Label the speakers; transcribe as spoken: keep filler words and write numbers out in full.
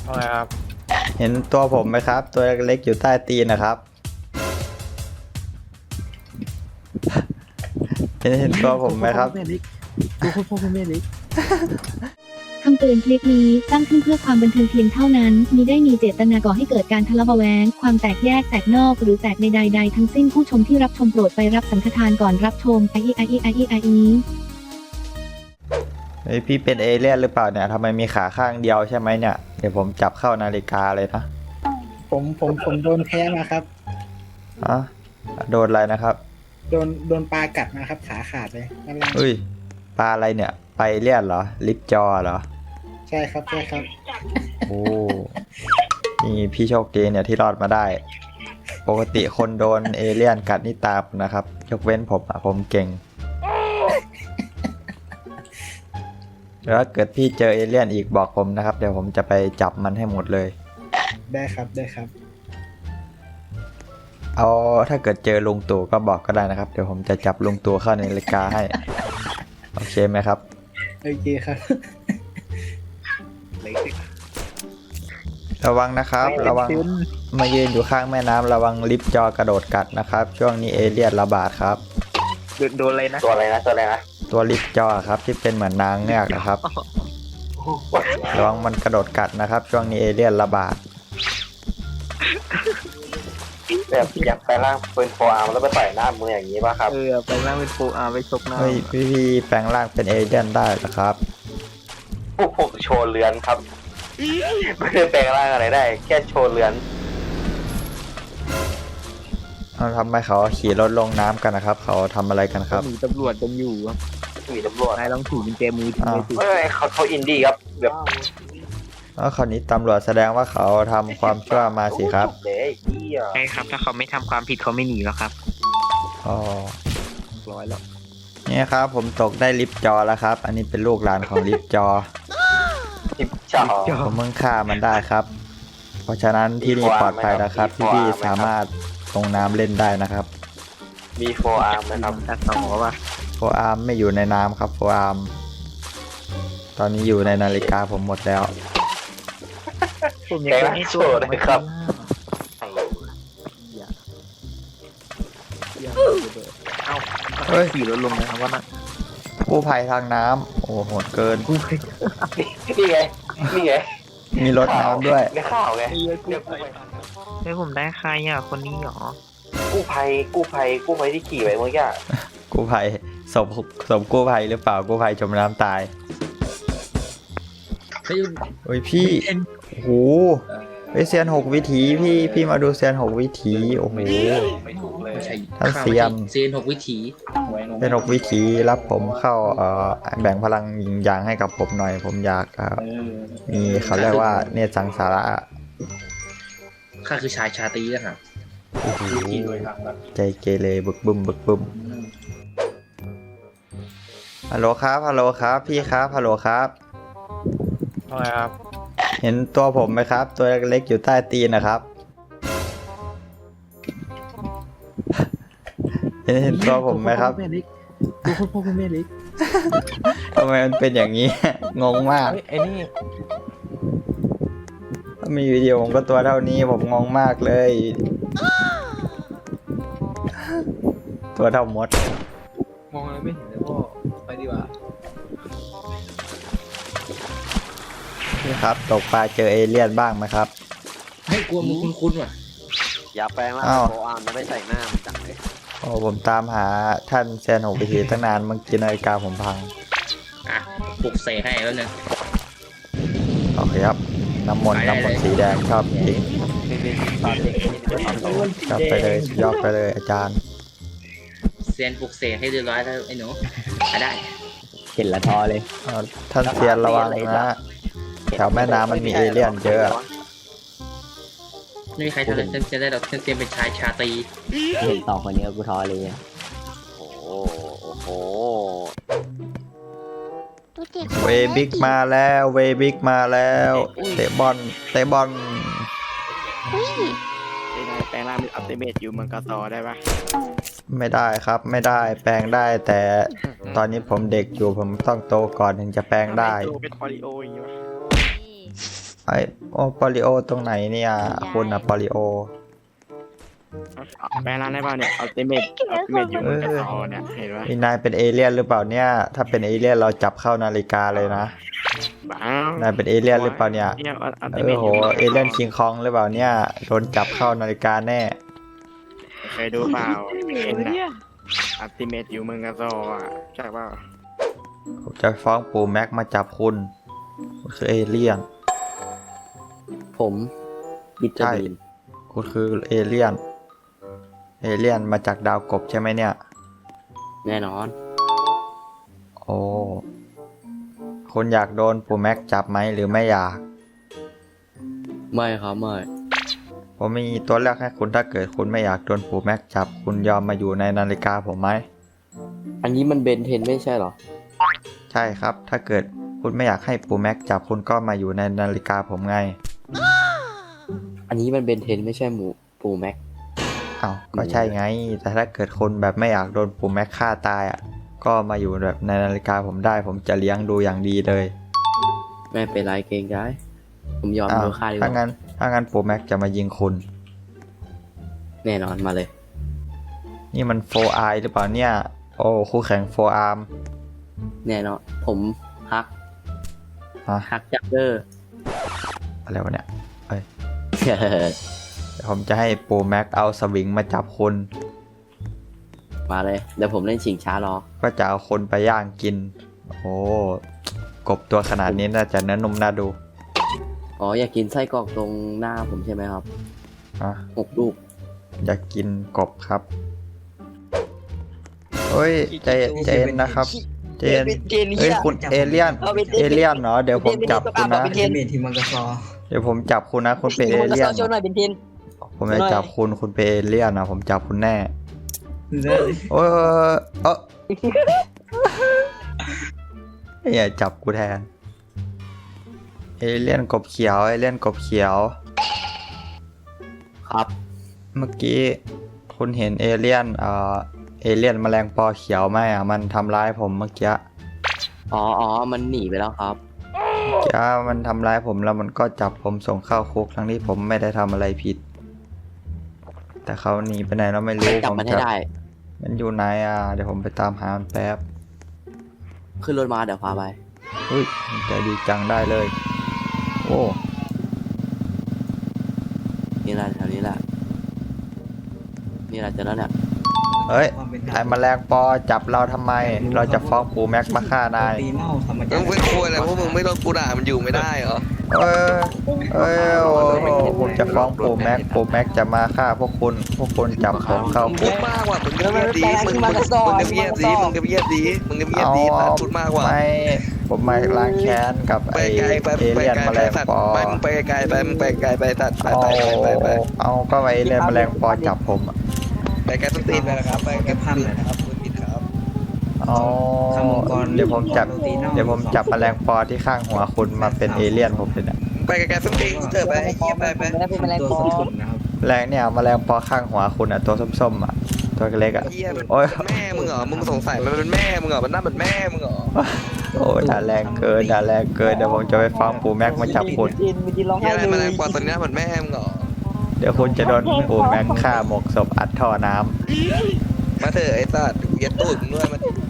Speaker 1: ว่าไงครับ
Speaker 2: เห็นตัวผมไหมครับ ตัวเล็กๆอยู่ใต้ตีนนะครับ เห็นเห็นตัวผมไหมครับ
Speaker 1: กูพูดพ่อแม่เล็ก
Speaker 3: คำเตือนคลิปนี้สร้างขึ้นเพื่อความบันเทิงเพียงเท่านั้นมิได้มีเจตนาก่อให้เกิดการทะเลาะเบาะแว้งความแตกแยกแตกนอกหรือแตกในใดๆทั้งสิ้นผู้ชมที่รับชมโปรดไปรับสังฆทานก่อนรับชมไออีไออีไออีไออี
Speaker 2: เฮ้ยพี่เป็นเอเลี่ยนหรือเปล่าเนี่ยทำไมมีขาข้างเดียวใช่ไหมเนี่ย เดี๋ยวผมจับเข้านาฬิกาเลยนะ
Speaker 4: ผมผมผมโดนแพ้มาครับ
Speaker 2: อะโดนอะไรนะครับ
Speaker 4: โดนโดนปลากัดมาครับขาขาดเลยนั่นแหละ
Speaker 2: เฮ้ยปลาอะไรเนี่ย ไปเลี่ยนเหรอ ลิปจอเหรอ
Speaker 4: ใช่ครับใช่ครับ
Speaker 2: โอ้นี่พี่โชคดีเนี่ยที่รอดมาได้ ปกติคนโดนเอเลี่ยนกัดนี่ตามนะครับ ยกเว้นผมอะผมเก่ง แล้วถ้าเกิดพี่เจอเอเลี่ยนอีกบอกผมนะครับ เดี๋ยวผมจะไปจับมันให้หมดเลย
Speaker 4: ได้ครับได้ครับ
Speaker 2: เอาถ้าเกิดเจอลุงตู่ก็บอกก็ได้นะครับ เดี๋ยวผมจะจับลุงตู่เข้าในนาฬิกาให้ โอเคไหมครับ
Speaker 4: โอเคครับ
Speaker 2: ระวังนะครับ ระวังมายืนอยู่ข้างแม่น้ำระวังลิฟต์จอกระโดดกัดนะครับ ช่วงนี้เอเลี่ยนระบาดครับ
Speaker 1: โดนโดนอะไรนะ
Speaker 5: ตัวอะไรนะตัวอะไรนะ
Speaker 2: ตัวลิฟต์จอครับที่เป็นเหมือนนางเงือกนะครับ ระวังมันกระโดดกัดนะครับ ช่วงนี้เอเลี่ยนระบาด
Speaker 5: แบบอยากไปล่างปืนโฟอาร์มแล้วไปต่อยหน้ามืออย่างนี้ป่ะครับ
Speaker 1: เออไปนั่งเป็นโฟอาร์ไปชกหน้า
Speaker 2: เฮ้ยพี่พี่แปลงร่างเป็นเอเลี่ยนได้เหรอครับ
Speaker 5: พวกผมโชว์เรือนครับ ไม่ได้แปลงร่างอะไรได้ แค่โชว์เรือน
Speaker 2: เอาทำไมเขาขี่รถลงน้ำกันนะครับ เขาทำอะไรกันครับ
Speaker 1: หนีตำรวจกันอยู่ครับ
Speaker 5: มีตำรวจ
Speaker 1: นายลองถือกุญแจมือทิ้งไว้สิ
Speaker 5: เฮ้ยเขาเขาอินดี้ครับแบบ
Speaker 2: แล้วคราวนี้ตำรวจแสดงว่าเขาทำความชั่วมาสิครับ
Speaker 5: เด้เฮีย
Speaker 1: ใช่ครับถ้าเขาไม่ทำความผิดเขาไม่หนีแล้วครับ
Speaker 2: อ๋อ
Speaker 1: ร้อยแล้ว
Speaker 2: เนี่ยครับผมตกได้ลิฟต์จอแล้วครับ อันนี้เป็นลูกหลานของลิฟต์จอ
Speaker 5: ทิปจ่อ
Speaker 2: ผมเพิ่งฆ่ามันได้ครับ เพราะฉะนั้นที่นี่ปลอดภัยแล้วครับ พี่ๆสามารถลงน้ำเล่นได้นะครับ
Speaker 5: มีโฟอาร์มนะครับ
Speaker 1: ตัดต่อป่ะ
Speaker 2: โฟอาร์มไม่อยู่ในน้ำครับโฟอาร์มตอนนี้อยู่ในนาฬิกาผมหมดแล้ว
Speaker 1: ผมอยากจะให้ตัว
Speaker 5: เลยครับ
Speaker 1: อย่าอย่าเอ้า
Speaker 2: เฮ้ย
Speaker 1: ขี่รถลงนะครับว่านั่น
Speaker 2: กู้ภัยทางน้ำโอ้โหดเกิน
Speaker 5: นี่ไงนี่ไง
Speaker 2: มีรถน้ำด้วย
Speaker 5: ในข่าวไง
Speaker 1: เฮ้ยเฮ้ยผมได้ใครอ่ะคนนี้เหรอ
Speaker 5: กู้ภัยกู้ภัยกู้ภัยที่ขี่ไปเมื่อกี้
Speaker 2: กู้ภัยศพศพกู้ภัยหรือเปล่ากู้ภัยจมน้ำตายเฮ้ยพี่โอ้โหเฮ้ยเซียนหกวิถีพี่พี่มาดูเซียนหกวิถีโอ้โห
Speaker 5: ไม่ถูกเลย
Speaker 2: ท่านเซียน
Speaker 6: เซียนหกวิถี
Speaker 2: เซียนหกวิถีรับผมเข้าเอ่อแบ่งพลังยิงยางให้กับผมหน่อย ผมอยากเอ่อมีเขาเรียกว่าเนตรสังสาระ
Speaker 6: ข้าคือชายชาตรีนะครับ
Speaker 2: โอ้โหใจเกเรบึกบึมบึกบึมฮัลโหลครับฮัลโหลครับพี่ครับฮัลโหลครับ
Speaker 1: ว่าไงครับ
Speaker 2: เห็นตัวผมไหมครับ ตัวเล็กๆอยู่ใต้ตีนนะครับ เห็นเห็นตัวผมไหมครับ
Speaker 1: กูพูดพ่อแม่เล็ก
Speaker 2: ทำไมมันเป็นอย่างนี้ งงมาก
Speaker 1: เฮ้ยไอ้นี่
Speaker 2: ถ้ามีวิดีโอผมก็ตัวเท่านี้ผมงงมากเลย ตัวเท่ามด
Speaker 1: มองอะไรไม่เห็นเลยพ่อไปดีกว่า
Speaker 2: นี่ครับตกปลาเจอเอเลี่ยนบ้างไหมครับ
Speaker 6: ให้กลัวมึงคุ้นๆว่ะ
Speaker 5: อย่าแปลงร่าง
Speaker 2: อ้าว
Speaker 5: โฟอาร์มแล้วไปใส่หน้ามันจังเลย
Speaker 2: โอ้ผมตามหาท่านแซนหกวิธีตั้งนานเมื่อกี้นาฬิกาผมพัง
Speaker 6: อ่ะปลุกเสกให้แล้วนึง
Speaker 2: โอเคครับ น้ำมนต์น้ำมนต์สีแดงชอบจริงชอบไปเลยยอดไปเลยอาจารย์
Speaker 6: เซียนปลุกเสกให้เรียบร้อยแล้วไอ้หนูอ่ะได้
Speaker 1: เห็นละทอเลย
Speaker 2: เอาท่านเซียนระวังนะแถวแม่น้ำมันมีเอเลี่ยนเยอะ
Speaker 6: ไม่มีใครทำเลยเซียนได้หรอกเซียนเป็นชายชาตรี
Speaker 1: เห็นต่อคนนี้กูทอเลย
Speaker 5: โอ้โหโอ้โห
Speaker 2: เวบิกมาแล้วเวบิกมาแล้วเตะบอลเตะบอล
Speaker 1: แปลงร่างเป็นอัลติเมทอยู่เมืองกาซอได้ปะ
Speaker 2: ไม่ได้ครับไม่ได้แปลงได้ แต่ตอนนี้ผมเด็กอยู่ผมต้องโตก่อนถึงจะแปลงได้
Speaker 1: เป็นพอลิโออย่างงี้วะ
Speaker 2: ไอโอปอลิโอตรงไหนเนี่ยคุณอะปอลิโอ
Speaker 1: แปลงร่างได้ป่ะเนี่ยอัลติเมทอัลติเมทอยู่บนกระสอเนี่ยเห็นปะ
Speaker 2: นี่นายเป็นเอเลี่ยนหรือเปล่าเนี่ยถ้าเป็นเอเลี่ยนเราจับเข้านาฬิกาเลยนะ
Speaker 1: บ้าน
Speaker 2: ายเป็นเอเลี่ยนหรือเปล่าเนี่ย
Speaker 1: เนี่ยอัล
Speaker 2: เอ
Speaker 1: ติเม
Speaker 2: อ
Speaker 1: ท
Speaker 2: โห
Speaker 1: อยู่บน
Speaker 2: เอเลี่ยนคิงคองหรือเปล่าเนี่ยโดนจับเข้านาฬิกาแน่
Speaker 1: เคยดูเปล่าเห็นนะอัลติเมทอยู่เมืองกระสออ่ะใช่เปล่า
Speaker 2: ผมจะฟ้องปู่แม็กมาจับคุณคุณคือเอเลี่ยน
Speaker 7: ผมบิตา
Speaker 2: ใช่
Speaker 7: บีน
Speaker 2: คุณคือเอเลี่ยนเอเลี่ยนมาจากดาวกบใช่ไหมเนี่ย
Speaker 7: แน่นอน
Speaker 2: โอ้คุณอยากโดนปู่แม็กจับไหมหรือไม่อยาก
Speaker 7: ไม่ครับไม่
Speaker 2: ผมมีตัวเลือกให้คุณถ้าเกิดคุณไม่อยากโดนปู่แม็กจับคุณยอมมาอยู่ในนาฬิกาผมไหม
Speaker 7: อันนี้มันเบนเทนไม่ใช่เหรอ
Speaker 2: ใช่ครับ ถ้าเกิดคุณไม่อยากให้ปู่แม็กจับคุณก็มาอยู่ในนาฬิกาผมไง
Speaker 7: อันนี้มันเบนเทนไม่ใช่หมูปูแม็ก
Speaker 2: อ้าวก็ใช่ไง แต่ถ้าเกิดคุณแบบไม่อยากโดนปู่แม็กฆ่าตายอ่ะก็มาอยู่แบบในนาฬิกาผมได้ ผมจะเลี้ยงดูอย่างดีเลย
Speaker 7: ไม่เป็นไรเกรงใจผมยอม
Speaker 2: อ้าว
Speaker 7: โดนฆ่าดีก
Speaker 2: ถ้า
Speaker 7: ว่า
Speaker 2: งั้นถ้างั้นปู่แม็กจะมายิงคุณ
Speaker 7: แน่นอนมาเลย
Speaker 2: นี่มันโฟไอหรือเปล่าเนี่ย โอ้คู่แข่งโฟอาร์ม
Speaker 7: แน่นอนผมฮัก
Speaker 2: ฮะ
Speaker 7: ฮักจักเกอร์
Speaker 2: อะไรวะเนี่ยเอ้ยเดี๋ยวผมจะให้ปู่แม็กเอาสวิงมาจับคุณ
Speaker 7: มาเลยเดี๋ยวผมเล่นชิงช้ารอ
Speaker 2: ก็จะเอาคนไปย่างกิน โอ้กบตัวขนาดนี้น่าจะเนื้อนุ่มน่าดู
Speaker 7: อ๋ออยากกินไส้กรอกตรงหน้าผมใช่ไหมครับ
Speaker 2: อ่ะ
Speaker 7: หกลูก
Speaker 2: อยากกินกบครับเฮ้ยใจใจเย็นนะครับใจเย็นเฮ้ยคุณเอเลี่ยน เอเลี่ยนเหรอ เดี๋ยวผมจับคุณนะ
Speaker 4: อัลติเมทที่เมืองกระซอ
Speaker 2: เดี๋ยวผมจับคุณนะ คุณเป็นเอเลี่ยน
Speaker 8: โชว์หน่อยเป็นเทน
Speaker 2: ผมจะจับคุณ คุณเป็นเอเลี่ยนนะ ผมจับคุณแน่
Speaker 4: ได้
Speaker 2: โอ้ยเอออย่าจับกูแทน เอเลี่ยนกบเขียว เอเลี่ยนกบเขียว
Speaker 7: ครับ
Speaker 2: เมื่อกี้คุณเห็นเอเลี่ยนเอ่อเอเลี่ยนแมลงปอเขียวไหมอ่ะมันทำร้ายผมเมื่อกี้
Speaker 7: อ๋ออ๋อมันหนีไปแล้วครับ
Speaker 2: เมื่อกี้มันทำร้ายผมแล้วมันก็จับผมส่งเข้าคุกทั้งที่ผมไม่ได้ทำอะไรผิด แต่เขาหนีไปไหนเราไม่รู้
Speaker 7: จับ
Speaker 2: ผม
Speaker 7: มันให้
Speaker 2: จะ
Speaker 7: ได้
Speaker 2: มันอยู่ไหนอ่ะเดี๋ยวผมไปตามหามันแป๊บ
Speaker 7: ขึ้นรถมาเดี๋ยวพาไป
Speaker 2: อุ้ยใจดีจังได้เลย โอ้
Speaker 7: นี่แหละแถวนี้แหละ นี่แหละเจอแล้วเนี่ย
Speaker 2: เฮ้ยไอ้แมลงปอจับเราทำไม เราจะฟ้องปู่แม็กมาฆ่านาย
Speaker 4: ตีเมาธรรม
Speaker 9: มึ
Speaker 4: ดาง
Speaker 9: ไม่ควรเลยพวกมึงไม่โดนกูด่ามันอยู่ไม่ได้เหรอ
Speaker 2: เออเออโอ้โหผมจะฟ้องปู่แม็กปู่แม็กจะมาฆ่าพวกคุณ พวกคุณจับผมเข้า
Speaker 9: มึง
Speaker 2: คุ
Speaker 9: พู
Speaker 2: ก
Speaker 9: ดมากว่ะมึงก็เงียบดีมึงมึงมึงก็เงียบดีมึงก็เงียบดีมึงก็เงียบดีสัตว์พูดมากว่ะ
Speaker 2: ไม่ ผมมาล้างแค้นกับ
Speaker 9: ไป
Speaker 2: ไอ้
Speaker 9: ไกลไป
Speaker 2: เอ
Speaker 9: ไป
Speaker 2: เลี่ยน
Speaker 9: ไกล
Speaker 2: แม
Speaker 9: ไป
Speaker 2: ลง
Speaker 9: สัตว์
Speaker 2: ปอ
Speaker 9: ไปมึงไปไกลไปมึงไปไกลไปสัตว์ไป
Speaker 2: เอา
Speaker 9: ไปไปไปไป
Speaker 2: เอาก็ไอ้เอเลี่ยนแมลงปอจับผมอะ
Speaker 9: ไปไกลต้นตีนไปนะครับไปไกลพันเลยนะครับพูดผิดครับ
Speaker 2: เอาเดี๋ยวผมจับเดี๋ยวผมจับแมลงปอที่ข้างหัวคุณมาเป็นเอเลี่ยนผมเลยเนี่ย
Speaker 9: ไปไกลๆต้นตีนเถอะไปเฮียไปไป
Speaker 8: ไม่ได้เป็นแมลง
Speaker 4: ตัว
Speaker 8: ปอ
Speaker 4: ส้มๆนะครับ
Speaker 2: แมลงเนี่ยแมลงปอข้างหัวคุณอ่ะตัวส้มๆอ่ะตัวเล็กๆอ่ะ
Speaker 9: เฮียมัน
Speaker 2: โอ้ย
Speaker 9: แม่มึงเหรอมึงสงสัยมันเป็นแม่มึงเหรอมันน่าเป็นแม่มึงเหรอ
Speaker 2: โอ้ด่าแรงเกินด่าแรงเกินเดี๋ยวผมจะไปฟ้องปู่แม็กมาจับคุณ
Speaker 8: จินมีจินร้อง
Speaker 9: เฮี
Speaker 8: ไห้
Speaker 9: ยอะไร
Speaker 8: เล
Speaker 9: แมล
Speaker 8: ย
Speaker 9: งปอตัวนี้น่าเหมือนแม่มึงเหรอ
Speaker 2: เดี๋ยวคุณจะโดนปู่แม็กฆ่าหมกศพอัดท่อน้ำ
Speaker 9: มาเถอะไอ้สัตว์กูยัดตูดมึงด้วยมา